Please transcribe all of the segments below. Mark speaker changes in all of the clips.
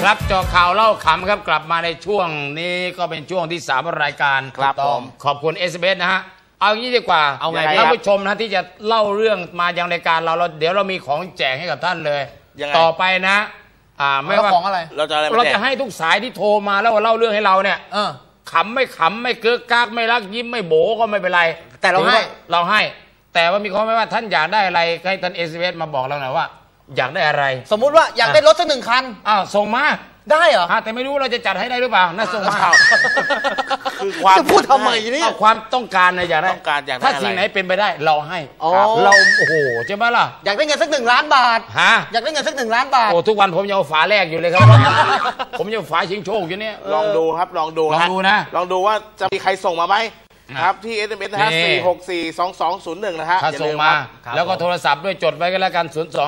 Speaker 1: ครับเจาะข่าวเล่าขำครับกลับมาในช่วงนี้ก็เป็นช่วงที่3ของรายการ
Speaker 2: ครับผม
Speaker 1: ขอบคุณ SBS นะฮะเอางี้ดีกว่าเอาไงท่านผู้ชมนะที่จะเล่าเรื่องมายังรายการเราเดี๋ยวเรามีของแจกให้กับท่านเลยต่อไปนะไม่ว่า
Speaker 2: ของอะไร
Speaker 1: เราจะให้ทุกสายที่โทรมาแล้วเล่าเรื่องให้เราเนี่ยขำไม่เกือกกากไม่รักยิ้มไม่โบก็ไม่เป็นไร
Speaker 2: แต่เรา
Speaker 1: ให้แต่ว่ามีข้อแม้ว่าท่านอยากได้อะไรให้ท่าน SBS มาบอกเราหน่อยว่าอยากได้อะไร
Speaker 2: สมมุติว่าอยากได้รถสัก1 คัน
Speaker 1: ส่งมา
Speaker 2: ได้เหรอ
Speaker 1: แต่ไม่รู้เราจะจัดให้ได้หรือเปล่าน่าส่งมา
Speaker 2: คือความจะพูดทำไมนี่
Speaker 1: ความต้องการนะอยากได้ถ้าสิ่งไหนเป็นไปได้เราให้เราโอ้โหใช่ไหมล่ะ
Speaker 2: อยากได้เงินสัก1 ล้านบาทอยากได้เงินสัก1 ล้านบาท
Speaker 1: โอ้ทุกวันผมยังเอาฝาแรกอยู่เลยครับผมยังฝาชิงโชคอยู่เนี่ย
Speaker 3: ลองดูครับลองดู
Speaker 1: นะ
Speaker 3: ลองดูว่าจะมีใครส่งมาไหมครับที่ SMS นะฮะ4642201นะฮะ
Speaker 1: ถ้าส่งมาแล้วก็โทรศัพท์ด้วยจดไว้กันแล้วกัน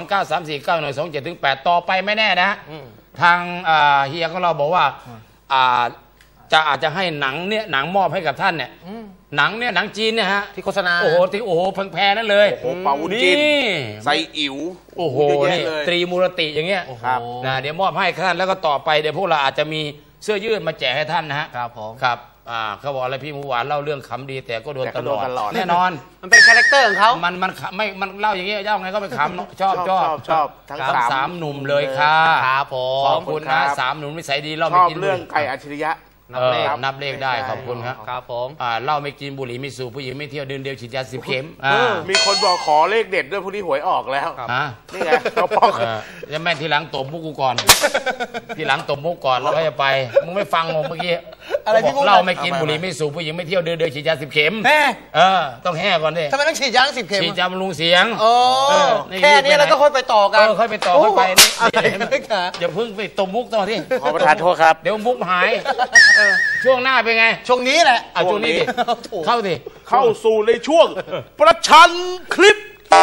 Speaker 1: 029349127-8ต่อไปไม่แน่นะทางเฮียของเราบอกว่าอาจจะให้หนังมอบให้กับท่านเนี่ยหนังจีนเนี่ยฮะ
Speaker 2: ที่โฆษณา
Speaker 1: โอ้โหแพงๆนั่นเลย
Speaker 3: โอ้โหเป่าวุ้นจีนไซอิ๋ว
Speaker 1: โอ้โหนี่ตรีมูรติอย่างเงี้ยนะเดี๋ยวมอบให้ท่านแล้วก็ต่อไปเดี๋ยวพวกเราอาจจะมีเสื้อยืดมาแจกให้ท่านนะฮะ
Speaker 2: ครับผม
Speaker 1: ครับเขาบอกอะไรพี่หมูหวานเล่าเรื่องขำดีแต่ก็โดนตลอดแน่นอน
Speaker 2: มันเป็นคาแรคเตอร์ของเขา
Speaker 1: มันเล่าอย่างเงี้ยเจ้าไงก็ไปขำชอบ
Speaker 3: ทั้ง
Speaker 1: 3 หนุ่มเลยค่ะ
Speaker 2: ครับผม
Speaker 1: ขอบคุณนะ3 หนุ่มนิสัยดีเล่า
Speaker 3: ไม่กินเรื่องไก่อัจฉริยะ
Speaker 1: นับเลขได้ขอบคุณครับ
Speaker 2: ครับผม
Speaker 1: เล่าไม่กินบุหรี่ไม่สูบผู้หญิงไม่เที่ยวเดินเดียวฉีดยา10 เข็ม
Speaker 3: มีคนบอกขอเลขเด็ดด้วยพวกนี้หวยออกแล้วนี่ไงเขาบอก
Speaker 1: จะแม่ทีหลังตบมุกกูก่อนทีหลังตบมุกก่อนแล้วก็จะไปมึงไม่ฟังผมเมื่อกี้
Speaker 2: อะไรที่
Speaker 1: เล่าไม่กินบุหรี่ไม่สูบผู้หญิงไม่เที่ยวเดินเดียวฉีดยา10 เข็มต้องแห่ก่อนดิ
Speaker 2: ทำไมต้องฉีดยา10 เข็ม
Speaker 1: ฉีดยาบำรุงเสียง
Speaker 2: แค่นี้แล้วก็ค่อยไปต่อกัน
Speaker 1: ค่อยไปต่อค่อยไปนี่อย่าเพิ่งไปตบมุกต่อที่
Speaker 3: ขอประทานโทษครับ
Speaker 1: เดี๋ยวมุกหายช่วงหน้าเป็นไง
Speaker 2: ช่วงนี้แหละ
Speaker 1: ช่วงนี้ดิเข้า
Speaker 3: สู่ในช่วงประชันคลิป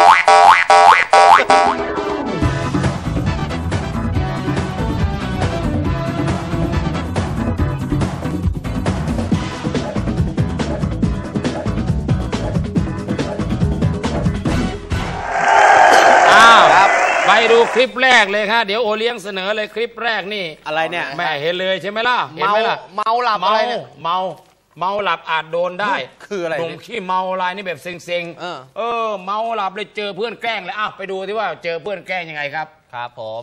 Speaker 1: ไปดูคลิปแรกเลยครับเดี๋ยวโอเลี้ยงเสนอเลยคลิปแรกนี่
Speaker 2: อะไรเนี่ย
Speaker 1: แม่เห็นเลยใช่ไหมล่ะเห็นไหมล่ะ
Speaker 2: เมาหลับอะไรเนี่ย
Speaker 1: เมาหลับอาจโดนได้
Speaker 2: คืออะไร
Speaker 1: หนุ่มขี้เมาลายนี่แบบเซ็งเมาหลับเลยเจอเพื่อนแกล้งเลยไปดูที่ว่าเจอเพื่อนแกล้งยังไงครับ
Speaker 2: ครับผม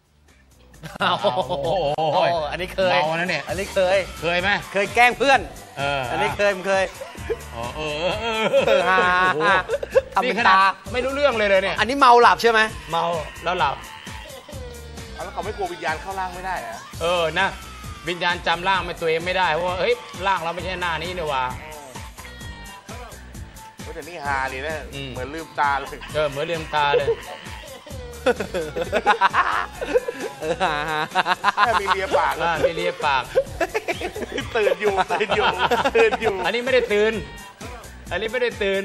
Speaker 2: อันนี้เคย
Speaker 1: เมานะเนี่ย
Speaker 2: อันนี้เคย
Speaker 1: ไหม
Speaker 2: เคยแกล้งเพื่อนอันนี้เคยทำตา
Speaker 1: ไม่รู้เรื่องเลยเนี่ย
Speaker 2: อันนี้เมาหลับใช่ไหม
Speaker 1: เมาแล้วหลับ
Speaker 3: แล้วเขาไม่กลัววิญญาณเข้าร่างไม่ได้
Speaker 1: นะวิญญาณจำร่างตัวเองไม่ได้เพราะว่าเฮ้ยร่างเราไม่ใช่หน้านี้นี่ว่า
Speaker 3: แต่นี่ฮาเลยนะเหมือนลืมตาเลย
Speaker 1: เหมือนลืมตาเลย
Speaker 3: มีเลียปาก
Speaker 1: มีเลียปาก
Speaker 3: ตื่นอยู่
Speaker 1: อันนี้ไม่ได้ตื่นอันนี้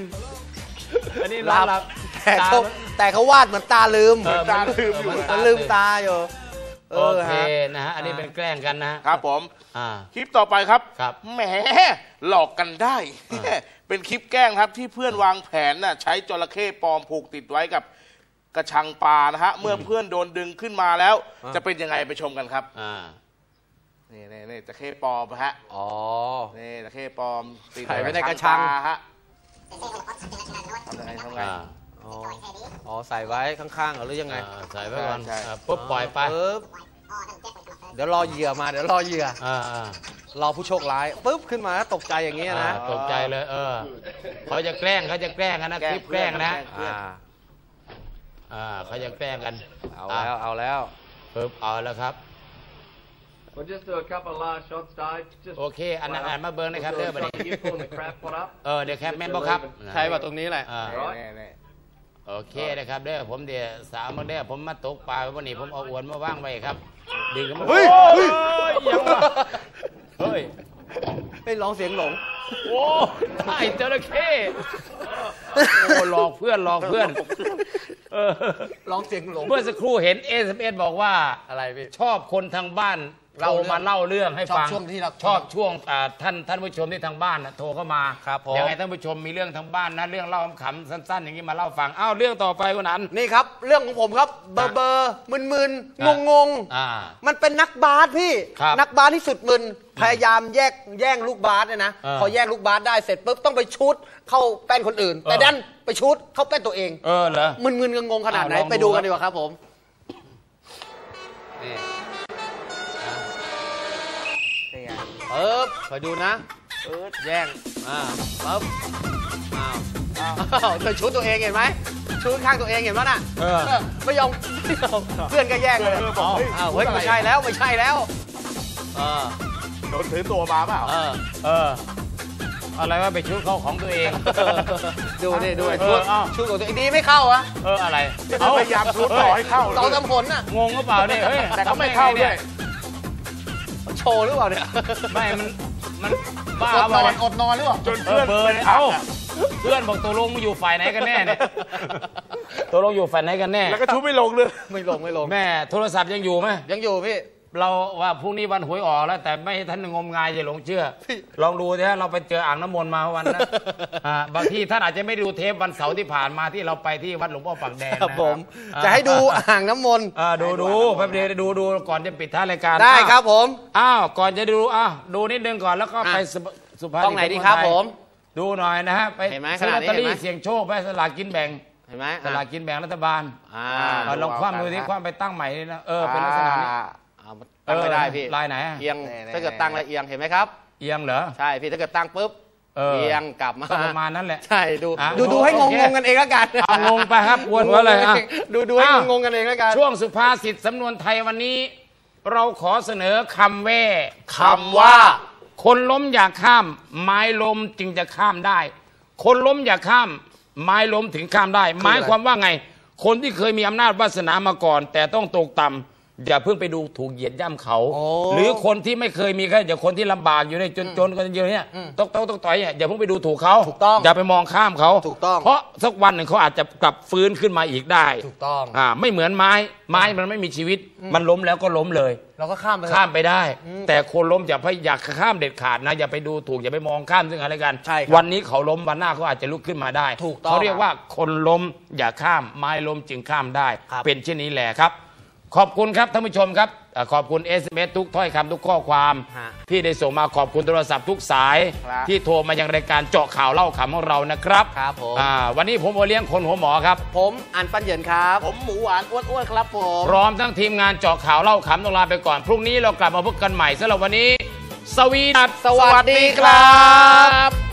Speaker 1: หลับ
Speaker 2: แต่เขาวาดเหมือนตาลืม
Speaker 3: อยู่
Speaker 2: ลืมตาอยู่
Speaker 1: โอเคนะฮะอันนี้เป็นแกล้งกันนะครับ
Speaker 3: ผมคลิปต่อไปครับแหมหลอกกันได้เป็นคลิปแกล้งครับที่เพื่อนวางแผนน่ะใช้จระเข้ปลอมผูกติดไว้กับกระชังปลานะฮะเมื่อเพื่อนโดนดึงขึ้นมาแล้วจะเป็นยังไงไปชมกันครับนี่จระเข้ปลอมฮะนี่จระเข้ปลอม
Speaker 2: ติดไว้ในกระชัง
Speaker 3: ฮะทำไง
Speaker 2: ใส่ไว้ข้างๆหรือยังไง
Speaker 1: ใส่ไว้ก่อนปุ๊บปล่อยไป
Speaker 2: เดี๋ยวรอเหยื่อมารอผู้โชคร้ายปุ๊บขึ้นมาแล้วตกใจอย่างเงี้ยนะ
Speaker 1: ตกใจเลยเขาจะแกล้งกันนะคลิปแกล้งนะเขาจะแกล้งกัน
Speaker 2: เอาแล้ว
Speaker 1: ปุ๊บเอาแล้วครับโอเคอันนั้นมาเบิร์นนะครับเด้อบัดนี้เดี๋ยวแคปแมนบอกครับ
Speaker 2: ใช่ป่ะตรงนี้แหละ
Speaker 1: โอเคนะครับเด้อผมเดี๋ยวสาวมาเด้อผมมาตกปลาวันนี้ผมเอาอวนมาว่างไว้ครับดึงกันมา
Speaker 2: เฮ้ย
Speaker 1: ยังวะเฮ้ย
Speaker 2: ไม่ร้องเสียงหลง
Speaker 1: โอ้ไอ้จระเข้หลอกเพื่อนร้องเ
Speaker 2: สียงหลง
Speaker 1: เมื่อสักครู่เห็นSMSบอกว่า
Speaker 2: อะไรพี่
Speaker 1: ชอบคนทางบ้านโทรมาเล่าเรื่องให้ฟัง
Speaker 2: ชอบช่วงที่เรา
Speaker 1: ชอบช่วงท่านผู้ชมที่ทางบ้านนะโทรเข้ามา
Speaker 2: ครับผม
Speaker 1: ยังไงท่านผู้ชมมีเรื่องทางบ้านนะเรื่องเล่าขำๆสั้นๆ อย่างนี้มาเล่าฟังอ้าวเรื่องต่อไปคนนั้น
Speaker 2: นี่ครับเรื่องของผมครับเบอร์มึนๆงงๆมันเป็นนักบาสพี่
Speaker 1: ครับ
Speaker 2: นักบาสที่สุดมึนพยายามแย่งลูกบาสเนี่ยนะพอแย่งลูกบาสได้เสร็จปุ๊บต้องไปชุดเข้าแป้นคนอื่น แต่ดันไปชุดเข้าแป้นตัวเอง
Speaker 1: เหรอ
Speaker 2: มึนๆงงๆขนาดไหน
Speaker 1: ลองดู
Speaker 2: ไปดูกันดีกว่าครับผมนี่ไงคอยดูนะแย่งปุ๊บเธอชุดตัวเองเห็นไหมชุดข้างตัวเองเห็นไหมน่ะไม่ยอมเพื่อนก็แย่งเลยเฮ้ยไม่ใช่แล้ว
Speaker 3: โดนถือตัวมาเปล่า
Speaker 1: อะไรว่าไปชุดเข้าของตัวเอง
Speaker 2: ดูนี่ด้วยชุดของตัวเองดีไม่เข้าอะ
Speaker 1: อะไร
Speaker 3: พยายามชุดต่อให้เข้า
Speaker 2: ต่อตำผลน่ะ
Speaker 1: งงก็เปล่าเนี่ยเฮ้ย
Speaker 3: แต่ก็ไม่เข้าด้วย
Speaker 2: โชว์หรือเปล่าเนี่ย
Speaker 1: ไม่มันบ้า
Speaker 2: อดนอนหรือเปล่า
Speaker 3: จนเพื่อน
Speaker 1: เพื่อนบอกตัวลงมาอยู่ฝ่ายไหนกันแน่เนี่ยตัวลงอยู่ฝ่ายไหนกันแน่
Speaker 3: แล้วก็ชุดไม่ลงเลย
Speaker 2: ไม่ลง
Speaker 1: แม่โทรศัพท์ยังอยู่ไหม
Speaker 2: ยังอยู่พี่
Speaker 1: เราว่าพรุ่งนี้วันหวยออกแล้วแต่ไม่ให้ท่านงมงายอย่าหลงเชื่อลองดูสิฮะเราไปเจออ่างน้ำมนต์มาวันนั้นบางทีท่านอาจจะไม่ดูเทปวันเสาร์ที่ผ่านมาที่เราไปที่วัดหลวงพ่อปากแดง
Speaker 2: ครับผมจะให้ดูอ่างน้ำมนต์
Speaker 1: ดูแป๊บเดียวดูก่อนจะปิดท้ายรายการ
Speaker 2: ได้ครับผม
Speaker 1: ก่อนจะดูนิดนึงก่อนแล้วก็ไปสุภาพ
Speaker 2: ต้องไหนดีครับผม
Speaker 1: ดูหน่อยนะฮะไปซื้อลอตเตอรี่เสี่ยงโชคไปสลากกินแบ่ง
Speaker 2: เห็นไหม
Speaker 1: สลากกินแบ่งรัฐบาลลองคว่ำดูที่คว่ำไปตั้งใหม่นี่นะเป็นลักษณะนี้
Speaker 2: ตั้งไม่ได้พี่
Speaker 1: ลายไหน
Speaker 2: เอียงถ้าเกิดตั้งแล้วเอียงเห็นไหมครับ
Speaker 1: เอียงเหรอ
Speaker 2: ใช่พี่ถ้าเกิดตั้งปุ๊บเอียงกลับมา
Speaker 1: ประมาณนั้นแหละ
Speaker 2: ใช่ดูให้งงกันเองแล้วกัน
Speaker 1: งงไปครับวนหัวเลย
Speaker 2: ดูให้งงกันเองแล้วกัน
Speaker 1: ช่วงสุภาษิตสำนวนไทยวันนี้เราขอเสนอคำ
Speaker 2: ว่า
Speaker 1: คนล้มอย่าข้ามไม้ล้มจึงจะข้ามได้คนล้มอย่าข้ามไม้ล้มถึงข้ามได้หมายความว่าไงคนที่เคยมีอำนาจวาสนามาก่อนแต่ต้องตกต่ำอย่าเพิ่งไปดูถูกเหยียดย่ำเขาหรือคนที่ไม่เคยมีแค่อย่าคนที่ลำบากอยู่ในจนกันเยอะเนี่ยต้องต่อยอย่าเพิ่งไปดูถูกเขาอย่าไปมองข้ามเขาเพราะสักวันหนึ่งเขาอาจจะกลับฟื้นขึ้นมาอีกได้
Speaker 2: ถูกต้อง
Speaker 1: ไม่เหมือนไม้มันไม่มีชีวิตมันล้มแล้วก็ล้มเลย
Speaker 2: เราก็ข้าม
Speaker 1: ไปได้แต่คนล้มอย่าข้ามเด็ดขาดนะอย่าไปดูถูกอย่าไปมองข้ามซึ่งอะไรกันวันนี้เขาล้มวันหน้าเขาอาจจะลุกขึ้นมาได้เขาเรียกว่าคนล้มอย่าข้ามไม้ล้มจึงข้ามได้เป็นเช่นนี้แหละครับขอบคุณครับท่านผู้ชมครับขอบคุณ SMS ทุกถ้อยคำทุกข้อความที่ได้ส่งมาขอบคุณโทรศัพท์ทุกสายที่โทรมายังรายการเจาะข่าวเล่าขำของเรานะครับ
Speaker 2: ครับผม
Speaker 1: วันนี้ผมโอเลี้ยงคนหัวหมอครับ
Speaker 2: ผมอันปันเหยินครับ
Speaker 3: ผมหมูหวานอ้วนๆครับผม
Speaker 1: พร้อมทั้งทีมงานเจาะข่าวเล่าขำต้องลาไปก่อนพรุ่งนี้เรากลับมาพบกันใหม่สำหรับวันนี้สวัสดี
Speaker 2: ครับ